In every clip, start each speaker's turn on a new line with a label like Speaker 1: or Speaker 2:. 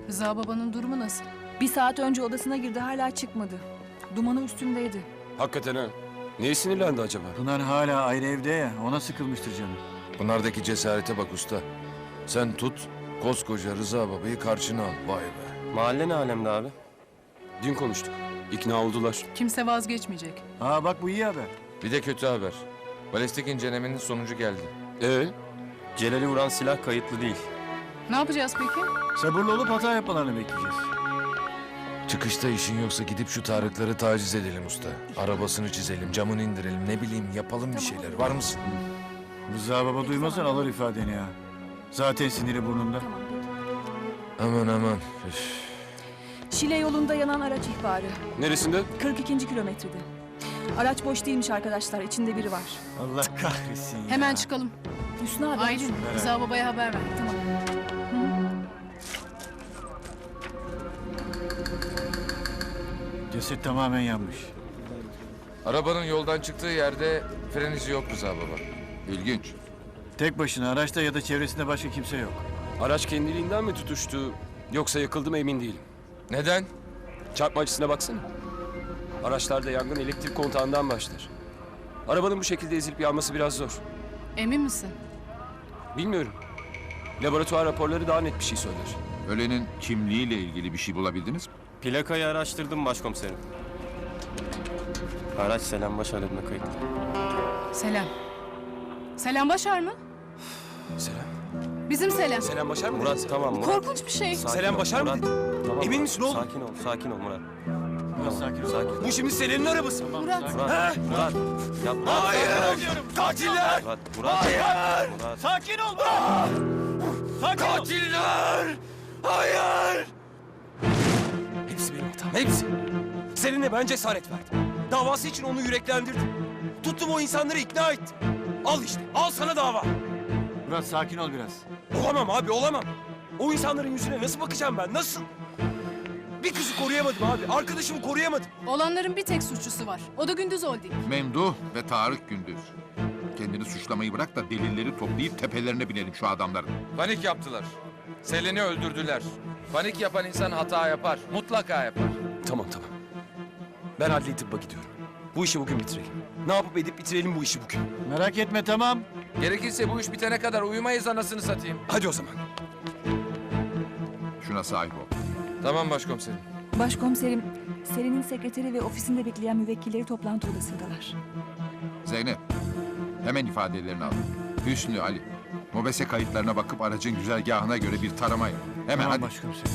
Speaker 1: Rıza babanın durumu nasıl?
Speaker 2: Bir saat önce odasına girdi, hala çıkmadı. Dumanı üstündeydi.
Speaker 3: Hakikaten ha. Neye sinirlendi acaba?
Speaker 4: Pınar hala ayrı evde ya, ona sıkılmıştır canım.
Speaker 5: Pınar'daki cesarete bak usta. Sen tut, koskoca Rıza babayı karşına al. Vay be.
Speaker 3: Mahalle ne alemde abi? Dün konuştuk. İkna oldular.
Speaker 1: Kimse vazgeçmeyecek.
Speaker 4: Aa bak bu iyi haber.
Speaker 5: Bir de kötü haber. Balistik incelemenin sonucu geldi.
Speaker 3: Celal'i vuran silah kayıtlı değil.
Speaker 1: Ne yapacağız peki?
Speaker 4: Sabırlı olup hata yapmalarını bekleyeceğiz.
Speaker 5: Çıkışta işin yoksa gidip şu Tarıkları taciz edelim usta. Arabasını çizelim, camını indirelim, ne bileyim yapalım bir şeyler. Var mısın?
Speaker 4: Rıza baba duymazsan alır ifadeni ya. Zaten siniri burnunda.
Speaker 2: Tamam, peki.
Speaker 5: Aman aman. Üf.
Speaker 2: Şile yolunda yanan araç ihbarı.
Speaker 3: Neresinde?
Speaker 2: 42. kilometrede. Araç boş değilmiş arkadaşlar, içinde biri var.
Speaker 4: Allah kahretsin ya.
Speaker 1: Hemen çıkalım.
Speaker 2: Hüsnü abi.
Speaker 1: Aylin, Rıza babaya haber ver.
Speaker 2: Tamam.
Speaker 4: Ceset tamamen yanmış.
Speaker 5: Arabanın yoldan çıktığı yerde fren izi yok Rıza baba. İlginç.
Speaker 4: Tek başına araçta ya da çevresinde başka kimse yok.
Speaker 3: Araç kendiliğinden mi tutuştu yoksa yakıldı mı emin değilim.
Speaker 5: Neden?
Speaker 3: Çarpma açısına baksana. Araçlarda yangın elektrik kontağından başlar. Arabanın bu şekilde ezilip yanması biraz zor.
Speaker 1: Emin misin?
Speaker 3: Bilmiyorum. Laboratuvar raporları daha net bir şey söyler.
Speaker 6: Ölenin kimliğiyle ilgili bir şey bulabildiniz mi?
Speaker 7: Plakayı araştırdım başkomiserim. Araç Selam Başar adına kayıtlı.
Speaker 1: Selam. Selam Başar mı?
Speaker 3: Selam.
Speaker 1: Bizim Selam.
Speaker 3: Selam Başar mı?
Speaker 7: Murat
Speaker 3: dedin?
Speaker 7: tamam Murat.
Speaker 1: Korkunç bir şey.
Speaker 7: Sakin
Speaker 3: Selam
Speaker 7: ol,
Speaker 3: Başar mı
Speaker 7: Murat.
Speaker 3: dedin?
Speaker 7: Tamam,
Speaker 3: Emin
Speaker 7: Murat.
Speaker 3: misin oğlum?
Speaker 7: Sakin ol Murat.
Speaker 4: Biraz sakin ol.
Speaker 7: Sakin.
Speaker 3: Bu şimdi Selen'in arabası.
Speaker 1: Murat.
Speaker 7: Murat, Murat. Yapma.
Speaker 3: Katiller!
Speaker 7: Murat.
Speaker 3: Hayır!
Speaker 7: Murat.
Speaker 4: Sakin ol Murat! Sakin ol!
Speaker 3: Katiller! Hayır! Hepsi benim hatam, hepsi. Seninle ben cesaret verdim. Davası için onu yüreklendirdim. Tuttum o insanları ikna ettim. Al işte, al sana dava.
Speaker 4: Murat sakin ol biraz.
Speaker 3: Olamam abi, olamam. O insanların yüzüne nasıl bakacağım ben, nasıl? Bir kızı koruyamadım abi, arkadaşımı koruyamadım.
Speaker 1: Olanların bir tek suçlusu var. O da Gündüz Holding.
Speaker 6: Memduh ve Tarık Gündüz. Kendini suçlamayı bırak da delilleri toplayıp tepelerine binelim şu adamların.
Speaker 5: Panik yaptılar. Selin'i öldürdüler. Panik yapan insan hata yapar. Mutlaka yapar.
Speaker 3: Tamam. Ben adli tıbba gidiyorum. Bu işi bugün bitirelim. Ne yapıp edip bitirelim bu işi bugün.
Speaker 4: Merak etme tamam.
Speaker 5: Gerekirse bu iş bitene kadar uyumayız anasını satayım.
Speaker 3: Hadi o zaman.
Speaker 6: Şuna sahip ol.
Speaker 5: Tamam başkomiserim.
Speaker 2: Başkomiserim, Selin'in sekreteri ve ofisinde bekleyen müvekkilleri toplantı odasındalar.
Speaker 6: Zeynep, hemen ifadelerini al. Hüsnü, Ali, mobese kayıtlarına bakıp aracın güzergahına göre bir tarama yap. Hemen
Speaker 4: Tamam
Speaker 6: hadi.
Speaker 4: başkomiserim.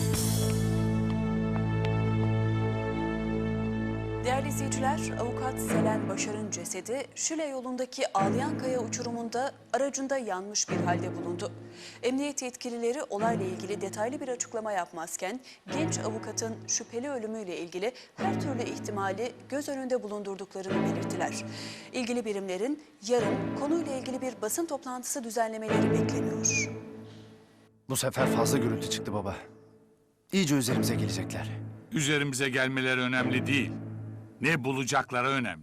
Speaker 8: Değerli izleyiciler, avukat Selen Başar'ın cesedi Şile yolundaki Ağlayankaya uçurumunda aracında yanmış bir halde bulundu. Emniyet yetkilileri olayla ilgili detaylı bir açıklama yapmazken genç avukatın şüpheli ölümüyle ilgili her türlü ihtimali göz önünde bulundurduklarını belirttiler. İlgili birimlerin yarın konuyla ilgili bir basın toplantısı düzenlemeleri bekleniyor.
Speaker 9: Bu sefer fazla gürültü çıktı baba. İyice üzerimize gelecekler.
Speaker 10: Üzerimize gelmeleri önemli değil. Ne bulacakları önemli.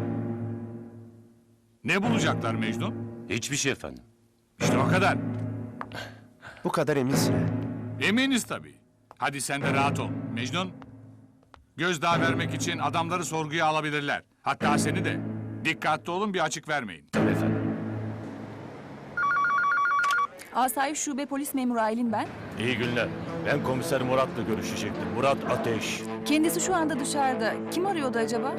Speaker 10: Ne bulacaklar Mecnun?
Speaker 7: Hiçbir şey efendim.
Speaker 10: İşte o kadar.
Speaker 9: Bu kadar eminsin ha.
Speaker 10: Eminiz tabii. Hadi sen de rahat ol. Mecnun, gözdağı vermek için adamları sorguya alabilirler. Hatta seni de. Dikkatli olun, bir açık vermeyin.
Speaker 7: Tabii efendim.
Speaker 2: Asayiş Şube Polis Memuru Aylin ben.
Speaker 7: İyi günler. Ben komiser Murat'la görüşecektim. Murat Ateş.
Speaker 2: Kendisi şu anda dışarıda. Kim arıyordu acaba?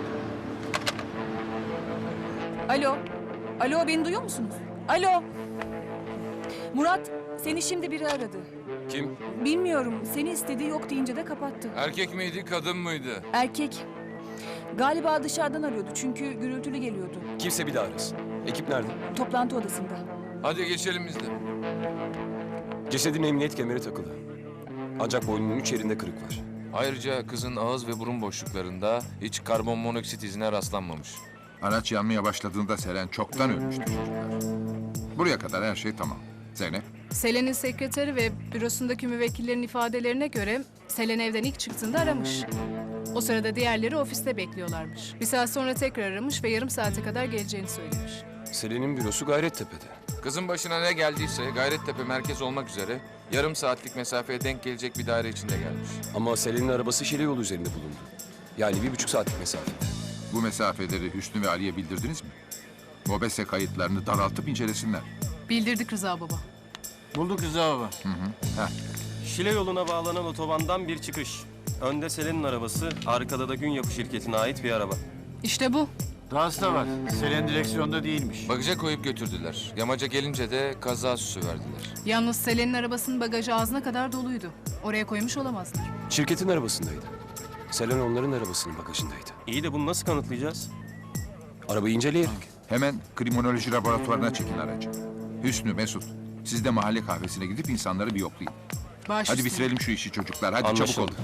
Speaker 2: Alo. Alo, beni duyuyor musunuz? Alo. Murat, seni şimdi biri aradı.
Speaker 3: Kim?
Speaker 2: Bilmiyorum, seni istediği yok deyince de kapattı.
Speaker 5: Erkek miydi, kadın mıydı?
Speaker 2: Erkek. Galiba dışarıdan arıyordu çünkü gürültülü geliyordu.
Speaker 3: Kimse bir daha arasın. Ekip nerede?
Speaker 2: Toplantı odasında.
Speaker 5: Hadi geçelim biz de.
Speaker 3: Cesedin emniyet kemeri takılı. Ancak boynunun 3 yerinde kırık var.
Speaker 5: Ayrıca kızın ağız ve burun boşluklarında hiç karbon monoksit izine rastlanmamış.
Speaker 6: Araç yanmaya başladığında Selen çoktan ölmüştü çocuklar. Buraya kadar her şey tamam. Zeynep,
Speaker 1: Selen'in sekreteri ve bürosundaki müvekkillerin ifadelerine göre Selen evden ilk çıktığında aramış. O sırada diğerleri ofiste bekliyorlarmış. Bir saat sonra tekrar aramış ve yarım saate kadar geleceğini söylemiş.
Speaker 3: Selen'in bürosu Gayrettepe'de.
Speaker 5: Kızın başına ne geldiyse Gayrettepe merkez olmak üzere Yarım saatlik mesafeye denk gelecek bir daire içinde gelmiş.
Speaker 3: Ama Selen'in arabası Şile yolu üzerinde bulundu. Yani 1,5 saatlik mesafe.
Speaker 6: Bu mesafeleri Hüsnü ve Ali'ye bildirdiniz mi? Mobese kayıtlarını daraltıp incelesinler.
Speaker 1: Bildirdik Rıza baba.
Speaker 4: Bulduk Rıza baba.
Speaker 11: Şile yoluna bağlanan otobandan bir çıkış. Önde Selen'in arabası, arkada da Gün Yapı şirketine ait bir araba.
Speaker 1: İşte bu.
Speaker 4: Dahası da var. Selen direksiyonda değilmiş.
Speaker 5: Bagaja koyup götürdüler. Yamaca gelince de kaza süsü verdiler.
Speaker 1: Yalnız Selen'in arabasının bagajı ağzına kadar doluydu. Oraya koymuş olamazlar.
Speaker 3: Şirketin arabasındaydı. Selen onların arabasının bagajındaydı.
Speaker 11: İyi de bunu nasıl kanıtlayacağız?
Speaker 3: Arabayı inceleyerek.
Speaker 6: Hemen kriminoloji laboratuvarına çekin aracı. Hüsnü, Mesut, siz de mahalle kahvesine gidip insanları bir yoklayın.
Speaker 1: Baş
Speaker 6: Hadi
Speaker 1: üstüne.
Speaker 6: bitirelim şu işi çocuklar. Hadi
Speaker 11: Anlaşıldı.
Speaker 6: çabuk olun.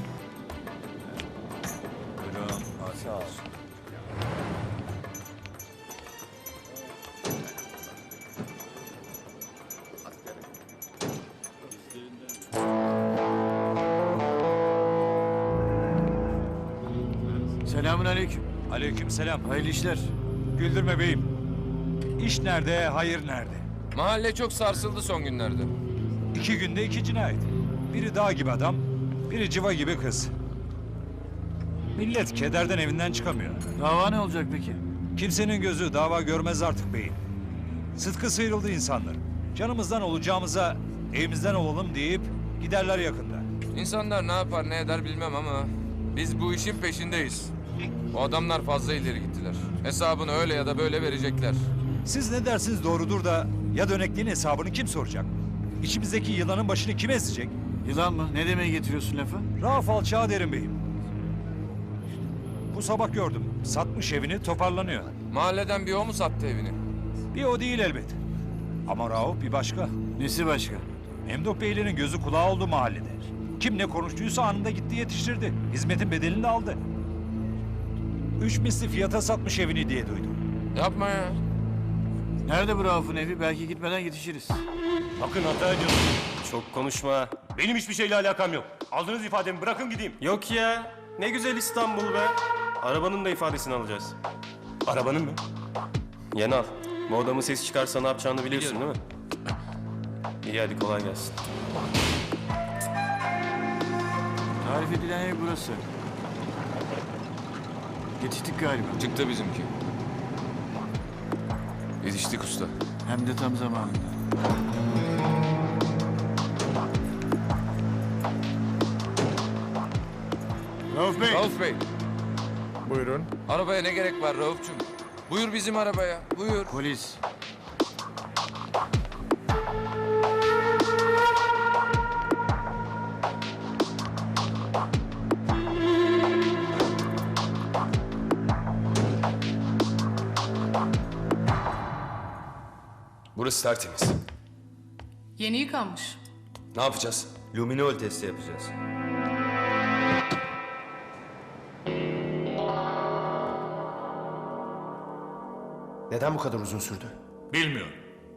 Speaker 4: Selamun aleyküm.
Speaker 7: Aleykümselam.
Speaker 4: Hayırlı işler.
Speaker 7: Güldürme beyim. İş nerede, hayır nerede?
Speaker 5: Mahalle çok sarsıldı son günlerde.
Speaker 7: 2 günde 2 cinayet. Biri dağ gibi adam, biri civa gibi kız. Millet kederden evinden çıkamıyor.
Speaker 4: Dava ne olacak peki?
Speaker 7: Kimsenin gözü dava görmez artık beyim. Sıtkı sıyrıldı insanlar. Canımızdan olacağımıza evimizden olalım deyip giderler yakında.
Speaker 5: İnsanlar ne yapar ne eder bilmem ama biz bu işin peşindeyiz. O adamlar fazla ileri gittiler. Hesabını öyle ya da böyle verecekler.
Speaker 7: Siz ne dersiniz doğrudur da ya dönekliğin hesabını kim soracak? İçimizdeki yılanın başını kim ezecek?
Speaker 4: Yılan mı? Ne demeye getiriyorsun lafı?
Speaker 7: Rauf Alçağı derim beyim. Bu sabah gördüm. Satmış evini, toparlanıyor.
Speaker 5: Mahalleden bir o mu sattı evini?
Speaker 7: Bir o değil elbet. Ama Rauf bir başka.
Speaker 4: Nesi başka?
Speaker 7: Memduh Beylerin gözü kulağı oldu mahallede. Kim ne konuştuysa anında gitti yetiştirdi. Hizmetin bedelini de aldı. 3 misli fiyata satmış evini diye duydum.
Speaker 5: Yapma ya.
Speaker 4: Nerede bu Rauf'un evi? Belki gitmeden yetişiriz.
Speaker 11: Bakın hata ediyorsunuz. Çok konuşma.
Speaker 7: Benim hiçbir şeyle alakam yok. Aldığınız ifademi bırakın gideyim.
Speaker 11: Yok ya. Ne güzel İstanbul be. Arabanın da ifadesini alacağız.
Speaker 7: Arabanın mı?
Speaker 11: Yeni al. Bu adamın ses çıkarsa ne yapacağını biliyorsun değil mi? İyi hadi kolay gelsin.
Speaker 4: Tarif edilen ev burası. Yetiştik galiba.
Speaker 5: Çıktı bizimki. Yetiştik usta.
Speaker 4: Hem de tam zamanında. Rauf Bey.
Speaker 5: Rauf Bey,
Speaker 9: Buyurun.
Speaker 5: arabaya ne gerek var Rauf'cum? Buyur bizim arabaya, buyur.
Speaker 4: Polis.
Speaker 3: Burası tertemiz.
Speaker 1: Yeni yıkanmış.
Speaker 3: Ne yapacağız?
Speaker 11: Luminol testi yapacağız.
Speaker 9: Neden bu kadar uzun sürdü?
Speaker 7: Bilmiyorum.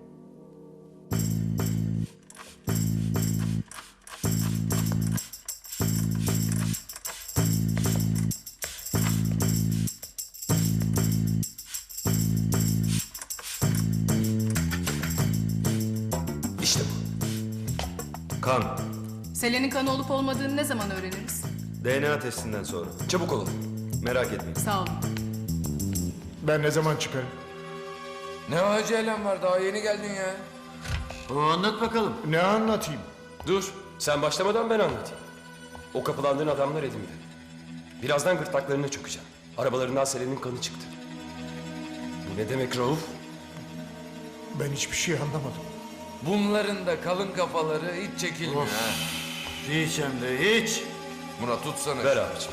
Speaker 3: İşte bu.
Speaker 11: Kan.
Speaker 1: Selen'in kanı olup olmadığını ne zaman öğreniriz?
Speaker 11: DNA testinden sonra.
Speaker 3: Çabuk olalım.
Speaker 11: Merak etmeyin.
Speaker 1: Sağ olun.
Speaker 9: Ben ne zaman çıkarım?
Speaker 5: Ne acelem var, daha yeni geldin ya.
Speaker 4: O anlat bakalım.
Speaker 9: Ne anlatayım?
Speaker 3: Dur. Sen başlamadan ben anlatayım. O kapılandığın adamlar elimde. Birazdan gırtlaklarına çökeceğim. Arabalarından Selen'in kanı çıktı. Bu ne demek Rauf?
Speaker 9: Ben hiçbir şey anlamadım.
Speaker 5: Bunların da kalın kafaları hiç çekilmiyor ha.
Speaker 4: Hiç hem de hiç.
Speaker 5: Murat tutsana.
Speaker 3: Ver abicim.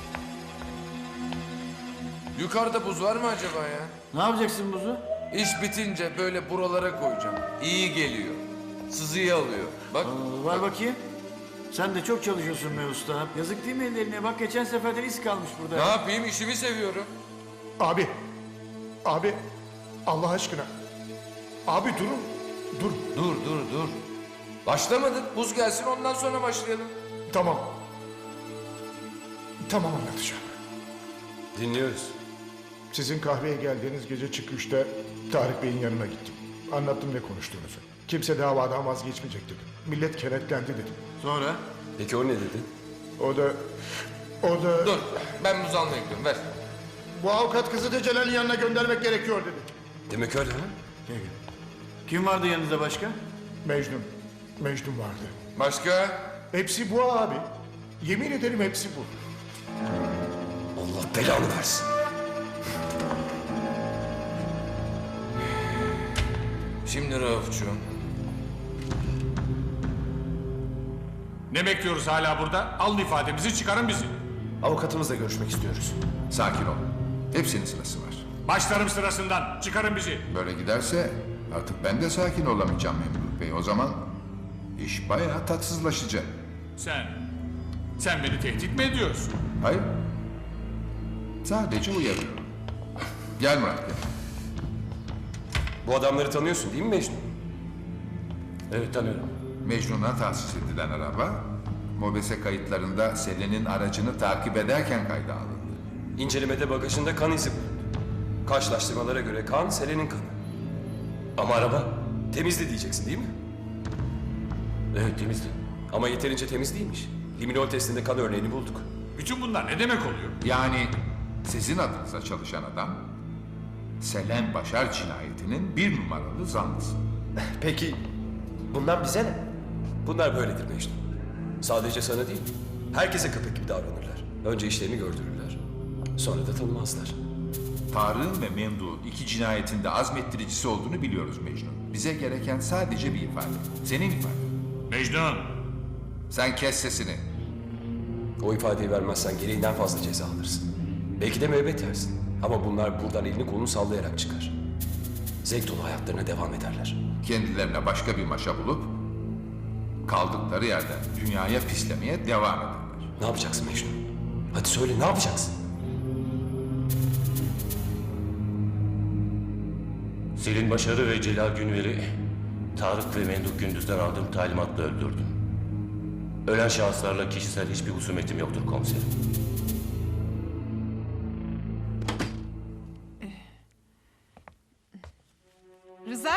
Speaker 5: Yukarıda buz var mı acaba ya?
Speaker 4: Ne yapacaksın buzu?
Speaker 5: İş bitince böyle buralara koyacağım. İyi geliyor. Sızıyı alıyor. Bak.
Speaker 4: Var bakayım. Sen de çok çalışıyorsun be usta. Yazık değil mi ellerine? Bak geçen seferden iz kalmış burada.
Speaker 5: Ne yapayım, işimi seviyorum.
Speaker 9: Abi. Abi. Allah aşkına. Abi durun. Dur.
Speaker 5: Dur. Başlamadık. Buz gelsin ondan sonra başlayalım.
Speaker 9: Tamam. Tamam anlatacağım.
Speaker 3: Dinliyoruz.
Speaker 9: Sizin kahveye geldiğiniz gece çıkışta Tarık Bey'in yanına gittim. Anlattım ne konuştuğunuzu.
Speaker 12: Kimse davadan vazgeçmeyecek dedim. Millet kenetlendi dedim.
Speaker 4: Sonra?
Speaker 3: Peki o ne dedi?
Speaker 12: O da
Speaker 5: Dur, ben buz almaya gidiyorum, ver.
Speaker 12: bu avukat kızı da Celal'in yanına göndermek gerekiyor dedi.
Speaker 3: Demek öyle ha?
Speaker 4: Kim vardı yanınızda başka?
Speaker 12: Mecnun vardı.
Speaker 5: Başka?
Speaker 12: Hepsi bu abi. Yemin ederim hepsi bu.
Speaker 3: Allah belanı versin.
Speaker 5: Şimdi Rauf'cuğum.
Speaker 10: Ne bekliyoruz hala burada? Alın ifademizi, çıkarın bizi.
Speaker 9: Avukatımızla görüşmek istiyoruz.
Speaker 6: Sakin ol. Hepsinin sırası var.
Speaker 10: Başlarım sırasından, çıkarın bizi.
Speaker 6: Böyle giderse artık ben de sakin olamayacağım Memduh Bey. O zaman iş bayağı tatsızlaşacak.
Speaker 10: Sen beni tehdit mi ediyorsun?
Speaker 6: Hayır. Sadece uyarıyorum. Gel Murat gel.
Speaker 3: Bu adamları tanıyorsun değil mi Mecnun? Evet tanıyorum.
Speaker 6: Mecnun'a tahsis edilen araba, MOBESE kayıtlarında Selen'in aracını takip ederken kayda alındı.
Speaker 3: İncelemede bagajında kan izi bulundu. Karşılaştırmalara göre kan Selen'in kanı. Ama araba temizdi diyeceksin değil mi? Evet temizdi. Ama yeterince temiz değilmiş. Liminol testinde kan örneğini bulduk.
Speaker 10: Bütün bunlar ne demek oluyor?
Speaker 6: Yani sizin adınıza çalışan adam, Selen Başar cinayetinin bir numaralı zanlısı.
Speaker 9: Peki bundan bize ne?
Speaker 3: Bunlar böyledir Mecnun. Sadece sana değil, herkese köpek gibi davranırlar. Önce işlerini gördürürler. Sonra da tanımazlar.
Speaker 6: Tarık'ın ve Memduh'un iki cinayetinde azmettiricisi olduğunu biliyoruz Mecnun. Bize gereken sadece bir ifade. Senin ifaden.
Speaker 10: Mecnun!
Speaker 6: Sen kes sesini.
Speaker 3: O ifadeyi vermezsen gereğinden fazla ceza alırsın. Belki de müebbet yersin. Ama bunlar buradan elini kolunu sallayarak çıkar. Zevk dolu hayatlarına devam ederler.
Speaker 6: Kendilerine başka bir maşa bulup kaldıkları yerden dünyaya pislemeye devam ederler.
Speaker 3: Ne yapacaksın Mecnun? Hadi söyle ne yapacaksın?
Speaker 11: Selin Başar'ı ve Celal Günver'i Tarık ve Memduh Gündüz'den aldığım talimatla öldürdüm. Ölen şahıslarla kişisel hiçbir husumetim yoktur komiserim.
Speaker 2: Rıza?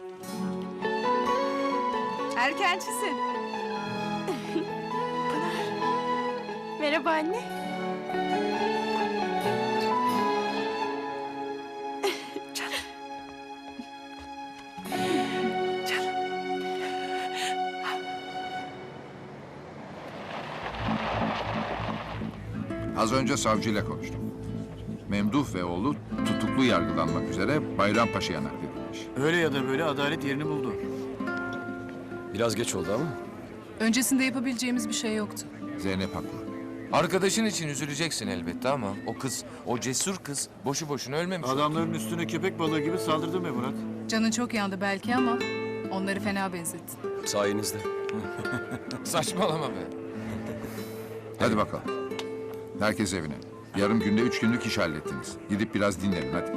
Speaker 2: Erkencisin.
Speaker 1: Merhaba anne.
Speaker 6: Az önce savcıyla konuştum. Memduh ve oğlu tutuklu yargılanmak üzere Bayrampaşa'ya nakledilmiş.
Speaker 4: Öyle ya da böyle adalet yerini buldu.
Speaker 3: Biraz geç oldu ama.
Speaker 1: Öncesinde yapabileceğimiz bir şey yoktu.
Speaker 6: Zeynep haklı.
Speaker 5: Arkadaşın için üzüleceksin elbette ama o kız, o cesur kız boşu boşuna ölmemiş.
Speaker 4: Adamların üstüne köpek balığı gibi saldırdı be Murat.
Speaker 1: Canın çok yandı belki ama onları fena benzettin.
Speaker 3: Sayenizde.
Speaker 5: Saçmalama be.
Speaker 6: Hadi bakalım. Herkes evine. Yarım günde 3 günlük iş hallettiniz. Gidip biraz dinlenin hadi.